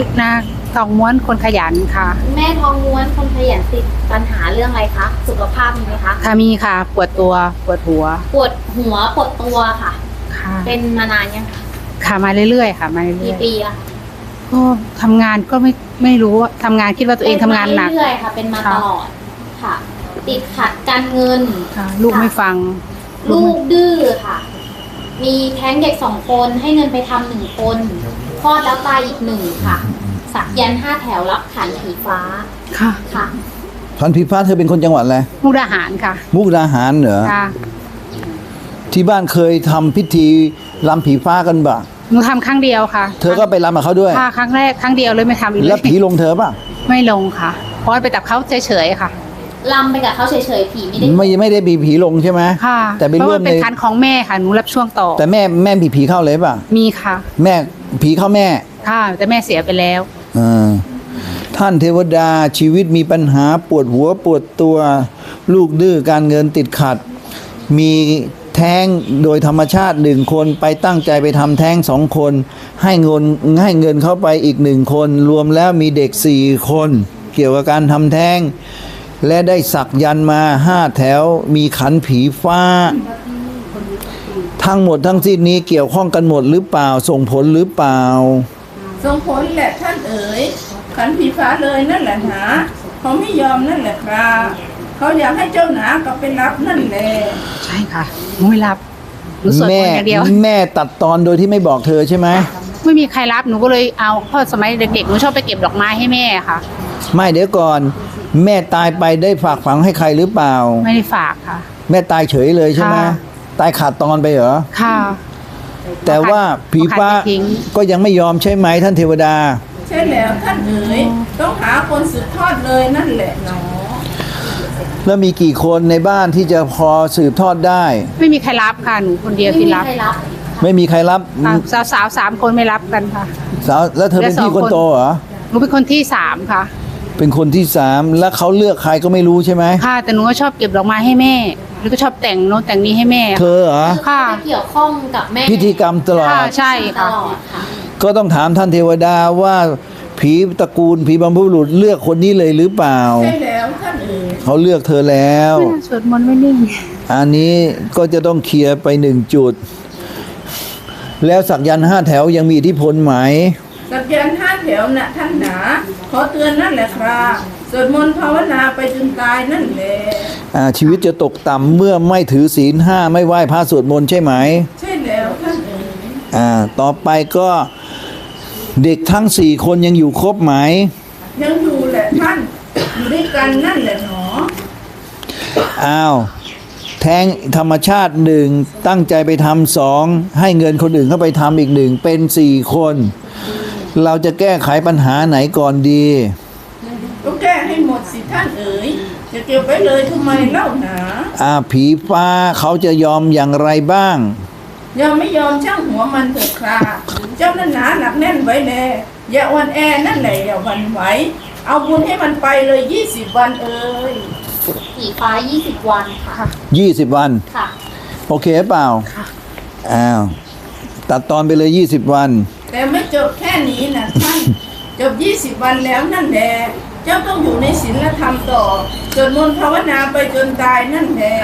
นางทองม้วนคนขยันค่ะแม่ทองม้วนคนขยันติดปัญหาเรื่องอะไรคะสุขภาพมีไหมคะค่ะมีค่ะปวดตัวปวดหัวปวดหัวปวดตัวค่ะค่ะเป็นมานานยังคะค่ะมาเรื่อยๆค่ะมาเรื่อยๆกี่ปีละก็ทำงานก็ไม่รู้ทำงานคิดว่าตัวเองทำงานหนักเรื่อยๆค่ะเป็นมาตลอดค่ะติดขัดการเงินค่ะลูกไม่ฟังลูกดื้อค่ะมีแท้งเด็ก2 คนให้เงินไปทำ1 คนคลอดแล้วตายอีก1ค่ะสักยันต์5 แถวรับขันผีฟ้าค่ะค่ะขันผีฟ้าเธอเป็นคนจังหวัดอะไรมุกดาหารค่ะมุกดาหารเหรอค่ะที่บ้านเคยทำพิธีรำผีฟ้ากันบ่หนูทำครั้งเดียวค่ะเธอก็ไปรำกับเขาด้วยค่ะครั้งแรกครั้งเดียวเลยไม่ทำอีกเลยแล้วผีลงเธอป่ะไม่ลงค่ะเพราะไปตับเขาเฉยๆค่ะลำไปกับเขาเฉยๆผีไม่ได้มีผีลงใช่ไหมค่ะแต่เป็นเรื่องเป็นคันของแม่ค่ะหนูรับช่วงต่อแต่แม่มีผีเข้าเลยป่ะมีค่ะแม่ผีเข้าแม่ค่ะแต่แม่เสียไปแล้วท่านเทวดาชีวิตมีปัญหาปวดหัวปวดตัวลูกดื้อการเงินติดขัดมีแท้งโดยธรรมชาติ1 คนไปตั้งใจไปทำแท้ง2 คนให้เงินเข้าไปอีก1 คนรวมแล้วมีเด็ก4 คนเกี่ยวกับการทำแท้งและได้สักยันมา5 แถวมีขันผีฟ้าทั้งหมดทั้งสิ้นนี้เกี่ยวข้องกันหมดหรือเปล่าส่งผลหรือเปล่าส่งผลแหละท่านเอ๋ยขันผีฟ้าเลยนั่นแหละหนาเขาไม่ยอมนั่นแหละครับเขาอยากให้เจ้าหนากับไปรับนั่นแหละใช่ค่ะไม่รับหนูสวดมนต์อย่างเดียวแม่ตัดตอนโดยที่ไม่บอกเธอใช่ไหมไม่มีใครรับหนูก็เลยเอาพ่อสมัยเด็กๆหนูชอบไปเก็บดอกไม้ให้แม่ค่ะไม่เดี๋ยวก่อนแม่ตายไปได้ฝากฝังให้ใครหรือเปล่าไม่ได้ฝากค่ะแม่ตายเฉยเลยใช่ไหมตายขาดตอนไปเหรอค่ะแต่ว่าผีฟ้าก็ยังไม่ยอมใช่ไหมท่านเทวดาใช่แล้วท่านเอ๋ยต้องหาคนสืบทอดเลยนั่นแหละเนาะแล้วมีกี่คนในบ้านที่จะพอสืบทอดได้ไม่มีใครรับค่ะหนูคนเดียวที่รับไม่มีใครรับสาว3 คนไม่รับกันค่ะสาวแล้วเธอเป็นพี่คนโตเหรอหนูเป็นคนที่3ค่ะเป็นคนที่3แล้วเขาเลือกใครก็ไม่รู้ใช่ไหมค่ะแต่หนูก็ชอบเก็บดอกไม้ให้แม่แล้วก็ชอบแต่งโน้ตแต่งนี้ให้แม่เธอเหรอค่ะเกี่ยวข้องกับแม่พิธีกรรมตลอดใช่ค่ะก็ต้องถามท่านเทวดาว่าผีตระกูลผีบรรพบุรุษเลือกคนนี้เลยหรือเปล่าใช่แล้วท่านเอ๋ยเขาเลือกเธอแล้วสวดมนต์ไม่นิ่งอันนี้ก็จะต้องเคลียร์ไป1 จุดแล้วสักยันต์5 แถวยังมีอิทธิพลไหมสักยันต์5 แถวน่ะท่านหนาขอเตือนนั่นแหละครับสวดมนต์ภาวนาไปจนตายนั่นแหละชีวิตจะตกต่ำเมื่อไม่ถือศีล5ไม่ไหว้พระสวดมนต์ใช่ไหมใช่แล้วท่านเอ๋ยต่อไปก็เด็กทั้ง4 คนยังอยู่ครบไหมยังอยู่แหละท่านอยู่ด้วยกันนั่นแหละหนอแท้งธรรมชาติ1ตั้งใจไปทำ2ให้เงินคนอื่นเข้าไปทำอีก1เป็น4 คนเราจะแก้ไขปัญหาไหนก่อนดีก็แก้ให้หมดสิท่านเอ๋ยจะเก็บไว้เลยทำไมเล่าหนาผีฟ้าเขาจะยอมอย่างไรบ้างยอมไม่ยอมช่างหัวมันเถิดครับเจ้านั่นหนาหนักแน่นไว้แน่อย่าอ่อนแอนั่นแหละอย่าหวั่นไหวเอาบุญให้มันไปเลย20 วันเอ๋ยผีฟ้า20 วันค่ะ 20 วันค่ะโอเคเปล่าค่ะตัดตอนไปเลย20 วันแต่ไม่จบแค่นี้นะท่านจบ20 วันแล้วนั่นแหละเจ้าต้องอยู่ในศีลธรรมต่อสวดมนต์ภาวนาไปจนตายนั่นแหละ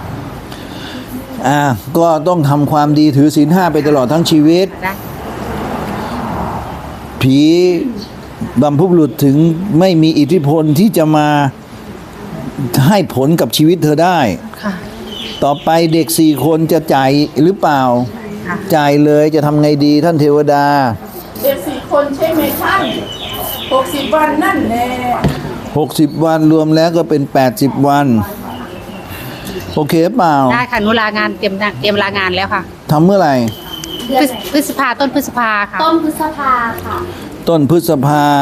ก็ต้องทำความดีถือศีล5ไปตลอดทั้งชีวิตผีบรรพบุรุษถึงไม่มีอิทธิพลที่จะมาให้ผลกับชีวิตเธอได้ต่อไปเด็ก4 คนจะจ่ายหรือเปล่าจ่ายเลยจะทำไงดีท่านเทวดาเด็ก4 คนใช่ไหมท่าน60 วันนั่นแหละ 60 วันรวมแล้วก็เป็น80 วันโอเคเปล่าได้ค่ะหนูลางานเตรียมลางานแล้วค่ะทำเมื่อไหร่พฤษภาต้นพฤษภาค่ะต้นพฤษภาค่ะต้นพฤษภา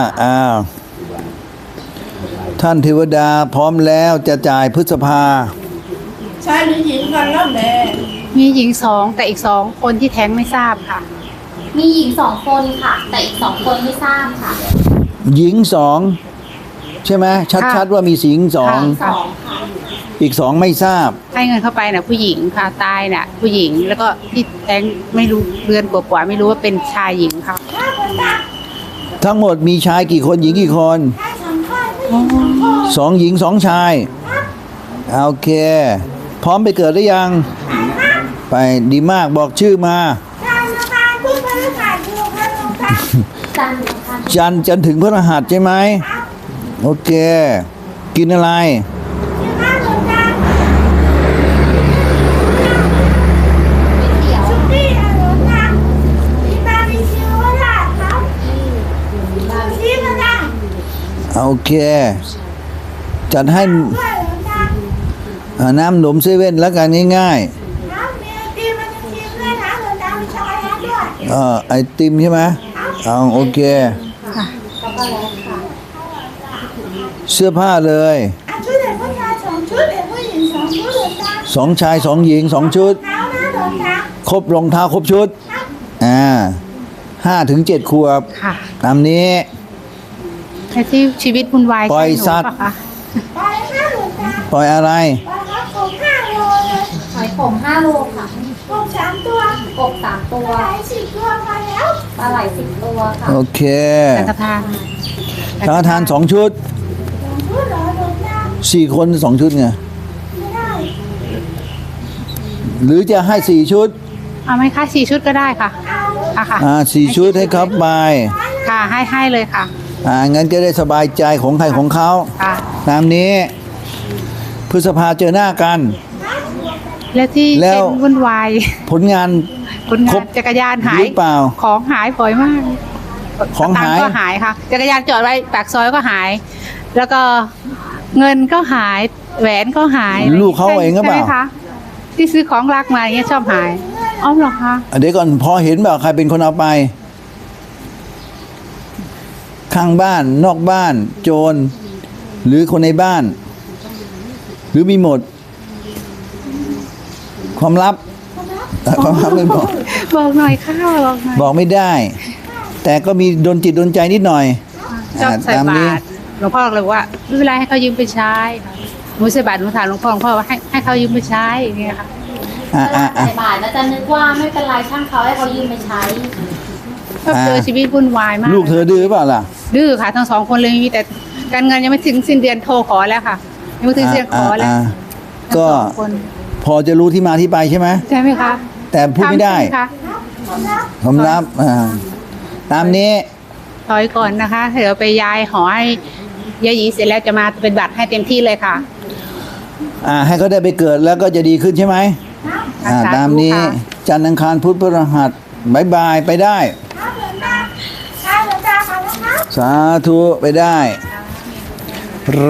ท่านเทวดาพร้อมแล้วจะจ่ายพฤษภาชายหรือหญิงกันแล้วแหละมีหญิง2แต่อีก2 คนที่แท้งไม่ทราบค่ะมีหญิง2 คนค่ะแต่อีก2 คนไม่ทราบค่ะหญิง2ใช่ไหมชัดๆว่ามีหญิง2 ค่ะอีก2ไม่ทราบให้เงินเข้าไปน่ะผู้หญิงค่ะตายน่ะผู้หญิงแล้วก็ที่แท้งไม่รู้เดือนกว่าไม่รู้ว่าเป็นชายหญิงค่ะทั้งหมดมีชายกี่คนหญิงกี่คนชาย2 คนผู้หญิง2 คนสองหญิงสองชายโอเค พร้อมไปเกิดหรือยัง ไปดีมากบอกชื่อมาชายนะคะผู้บริการอยู่ค่ะหลวงตาจันทร์ค่ะจันทร์ถึงพฤหัสใช่ไหมโอเค กินอะไรอยู่ค่ะหลวงตาไม่เขียวชุดนี้อะหลวงตามีบาร์บีคิวก็ได้ครับชีสก็ได้โอเค จัดให้ด้วยหลวงตาน้ำหนมเซเว่นแล้วกันง่ายครับมีไอติมมันจะชิมด้วยนะหลวงตามีช็อกโกแลตด้วยๆไอติมใช่ไหมเอาโอเคช็อกโกแลตค่ะเสื้อผ้าเลยอ่ะชุดเด็กผู้ชาย2 ชุดเด็กผู้หญิง2 ชุดหลวงตาสองชายสองหญิงสองชุดเท้านะหลวงตาครบรองเท้าครบชุด 5 ถึง 7 ขวบค่ะตามนี้แต่ที่ชีวิตวุ่นวายปล่อยใช่หนูสัตว์ปะคะไปค่ะหลวงตาปล่อยอะไรไปครับผม5 โลเลยหอยขม5 โลค่ะผม3 ตัวกบ3 ตัวไป10 ตัวพอแล้วปลาไหล10 ตัวค่ะโอเคสังฆทานสังฆทาน2 ชุดชุดเหรอหลวงตา 4 คน 2 ชุดไงไม่ได้หรือจะให้ 4 ชุดเอาไหมคะ4 ชุดก็ได้ค่ะเอาค่ะ 4 ชุดให้ครับไปค่ะให้เลยค่ะงั้นจะได้สบายใจของใครของเขาค่ะตามนี้ พฤษภาเจอหน้ากันแล้วที่แล้วเป็นวุ่นวายผลงานคนครงาบนจักรยานหาหยรือเปล่าของหายบ่อยมากของหายตัค์ก็หายค่ะ จักรยานจอดไว้ปากซอยก็หาย แล้วก็เงินก็หาย แหวนก็หายลูกเขาเองก็เปล่าใช่ไหมคะที่ซื้อของรักมาอย่างเงี้ยชอบหายอ้อมเหรอคะเดี๋ยวก่อนพอเห็นแบบใครเป็นคนเอาไป ข้างบ้านนอกบ้าน โจร หรือคนในบ้าน หรือมีหมด ความลับความลับไม่บอกบอกหน่อยค่ะบอกหน่อยบอกไม่ได้ แต่ก็มีดนจิตดนใจนิดหน่อยชอบใส่ตามบานี้ตรหลวงพ่อเลยว่าไม่เป็นไรให้เขายืมไปใช้ค่ะหนูใส่บาตรหนูถามหลวงพ่อว่าให้เขายืมไปใช้อย่างเงี้ยค่ะอ่ะเวอ่ะลาอ่ะใส่บาตรแล้วจะนึกว่าไม่เป็นไรช่างเขาให้เขายืมไปใช้ก็เจอชีวิตวุ่นวายมากลูกเธอดื้อเปล่าล่ะดื้อค่ะทั้ง2 คนเลยมีแต่การเงินยังไม่ถึงสิ้นเดือนโทรขอแล้วค่ะยังไม่ถึงสิ้นเดือนขอแล้วอ่ะทั้งก็ 2 คนพอจะรู้ที่มาที่ไปใช่ไหมใช่ไหมคะแต่พูดไม่ได้ทำใช่หคะผมรับตามนี้ถอยก่อนนะคะเดี๋ยวไปย้ายหอให้ยายหยีเสร็จแล้วจะมาเป็นบัตรให้เต็มที่เลยค่ะให้เขาได้ไปเกิดแล้วก็จะดีขึ้นใช่ไหมสาธุตามนี้ค่ะจันทร์อังคารพุธพฤหัสบายบายไปได้ครับหลวงตาครับหลวงตาขอบคุณครับสาธุไปได้